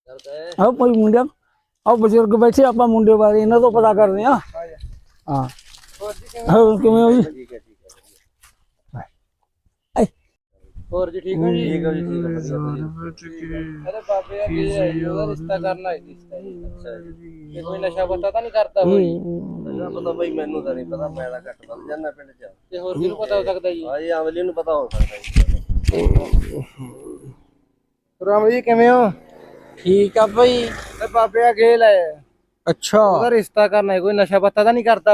आओ भाई मुंडिया आओ बुजुर्ग बैठे आप मुंडे बारे इन्हों तो पता करते हैं। हाँ किवें हो जी? ਹੋਰ ਜੀ ਠੀਕ ਹੋ ਜੀ? ਠੀਕ ਹੋ ਜੀ, ਠੀਕ ਹੈ। ਅਰੇ ਬਾਬੇ ਆ ਕੀ ਹੈ ਜੀ, ਉਹਦਾ ਰਿਸ਼ਤਾ ਕਰਨਾ ਹੈ ਜੀ। ਅੱਛਾ ਜੀ, ਇਹ ਕੋਈ ਨਸ਼ਾ ਪਤਾ ਤਾਂ ਨਹੀਂ ਕਰਦਾ ਹੋਈ? ਨਸ਼ਾ ਪਤਾ ਬਈ ਮੈਨੂੰ ਤਾਂ ਨਹੀਂ ਪਤਾ, ਮੈਂ ਤਾਂ ਘੱਟ ਵੱਧ ਜਾਂਦਾ ਪਿੰਡ 'ਚ। ਤੇ ਹੋਰ ਕਿਹਨੂੰ ਪਤਾ ਹੋ ਸਕਦਾ ਜੀ? ਹਾਂ ਜੀ ਅਮਲੀ ਨੂੰ ਪਤਾ ਹੋ ਸਕਦਾ ਜੀ। ਰਾਮ ਜੀ ਕਿਵੇਂ ਹੋ? ਠੀਕ ਆ ਭਾਈ। ਤੇ ਬਾਬੇ ਆ ਗੇਲ ਹੈ, ਅੱਛਾ ਉਹਦਾ ਰਿਸ਼ਤਾ ਕਰਨਾ ਹੈ, ਕੋਈ ਨਸ਼ਾ ਪਤਾ ਤਾਂ ਨਹੀਂ ਕਰਦਾ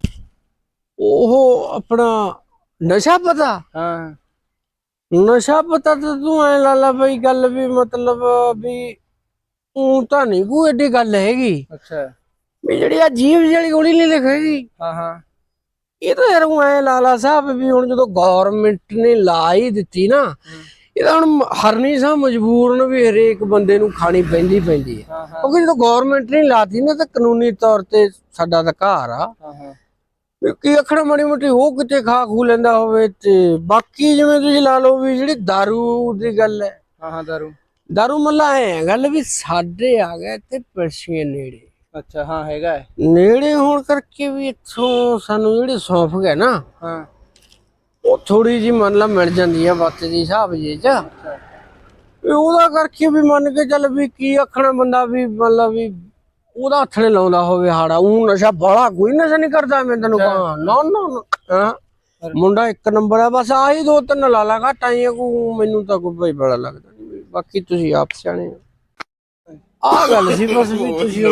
ਉਹ ਆਪਣਾ ਨਸ਼ਾ ਪਤਾ? ਹਾਂ ਨਸ਼ਾ ਪਤਾ ਤਾਂ ਤੂੰ ਐ ਲਾ ਲਾ ਬਈ ਗੱਲ ਵੀ ਮਤਲਬ ਵੀ ਉਹ ਤਾਂ ਨਹੀਂ ਕੋਈ ਏਡੀ ਗੱਲ ਹੈਗੀ ਅੱਛਾ ਵੀ ਜਿਹੜੀ ਆ ਜੀਵ ਜਿਹੜੀ ਗੋਲੀ ਨਹੀਂ ਲਿਖੇਗੀ। ਹਾਂ ਹਾਂ ਇਹ ਤਾਂ ਯਾਰ ਐ ਲਾ ਲਾ ਸਾਹਿਬ ਵੀ ਹੁਣ ਜਦੋਂ ਗਵਰਨਮੈਂਟ ਨੇ ਲਾ ਹੀ ਦਿੱਤੀ ਨਾ, ਇਹ ਤਾਂ ਹੁਣ ਹਰਨੀ ਸਾਹ ਮਜਬੂਰਨ ਵੀ ਹਰੇਕ ਬੰਦੇ ਨੂੰ ਖਾਣੀ ਪੈਂਦੀ ਹੈ। ਕਿਉਂਕਿ ਜਦੋਂ ਗਵਰਨਮੈਂਟ ਨੇ ਲਾਤੀ ਨਾ ਤਾਂ ਕਾਨੂੰਨੀ ਤੌਰ ਤੇ ਸਾਡਾ ਅਧਿਕਾਰ ਆ ਕੀ ਅੱਖਰ ਮਾੜੀ ਮੋਟੀ ਉਹ ਕਿਤੇ ਖਾ ਖੂ ਲੈਂਦਾ ਹੋਵੇ। ਤੇ ਬਾਕੀ ਜਿਵੇਂ ਤੁਸੀਂ ਲਾ ਲਓ ਵੀ ਜਿਹੜੀ ਦਾਰੂ ਦੀ ਗੱਲ ਹੈ, ਹਾਂ ਦਾਰੂ ਮੱਲਾ ਐ ਗੱਲ ਵੀ ਸਾਡੇ ਆ ਗਏ ਤੇ ਪਰਸ਼ੀਏ ਨੇੜੇ। ਅੱਛਾ ਹਾਂ ਹੈਗਾ ਨੇੜੇ ਹੋਣ ਕਰਕੇ ਵੀ ਇੱਥੋਂ ਸਾਨੂੰ ਜਿਹੜੀ ਸੌਂਫ ਗਏ ਨਾ, ਹਾਂ ਉਹ ਥੋੜੀ ਜਿਹੀ ਮੰਨ ਲਾ ਮਿਲ ਜਾਂਦੀ ਆ ਬਾਤ ਦੀ ਹਿਸਾਬ ਜੇ ਚ। ਉਹਦਾ ਕਰਕੇ ਵੀ ਮੰਨ ਕੇ ਚੱਲ ਵੀ ਕੀ ਆਖਣਾ ਬੰਦਾ ਵੀ ਮਤਲਬ ਵੀ ਉਹਦਾ ਹੱਥ ਨੇ ਲਾਉਂਦਾ ਹੋਵੇ ਹਾੜਾ। ਉਹ ਨਸ਼ਾ ਬਾਲਾ ਕੋਈ ਨਸ਼ਾ ਨਹੀਂ ਕਰਦਾ ਮੈਂ ਤੈਨੂੰ ਕਹਾਂ। ਨਾ ਨਾ ਮੁੰਡਾ ਇੱਕ ਨੰਬਰ ਆ, ਬਸ ਆਹੀ ਦੋ ਤਿੰਨ ਲਾਲਾ ਘੱਟ ਆਈਆਂ ਕੋ ਮੈਨੂੰ ਤਾਂ ਕੋਈ ਬੜਾ ਲੱਗਦਾ ਨਹੀਂ। ਬਾਕੀ ਤੁਸੀਂ ਆਪ ਸਿਆਣੇ ਆ ਗੱਲ ਸੀ ਬਸ ਵੀ ਤੁਸੀਂ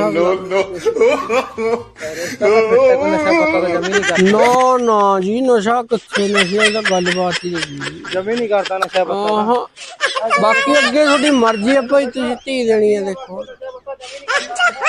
ਨਾ ਨਾ ਜੀ ਨਸ਼ਾ ਕਿੱਥੇ ਨਸ਼ਿਆਂ ਦਾ ਗੱਲਬਾਤ ਹੀ ਨਹੀਂ ਜਮੀ ਨਹੀਂ ਕਰਦਾ ਨਸ਼ਾ ਪਤਾ। ਬਾਕੀ ਅੱਗੇ ਤੁਹਾਡੀ ਮਰਜ਼ੀ ਆ ਭਾਈ, ਤੁਸੀਂ ਧੀ ਦੇਣੀ ਹੈ ਦੇਖੋ।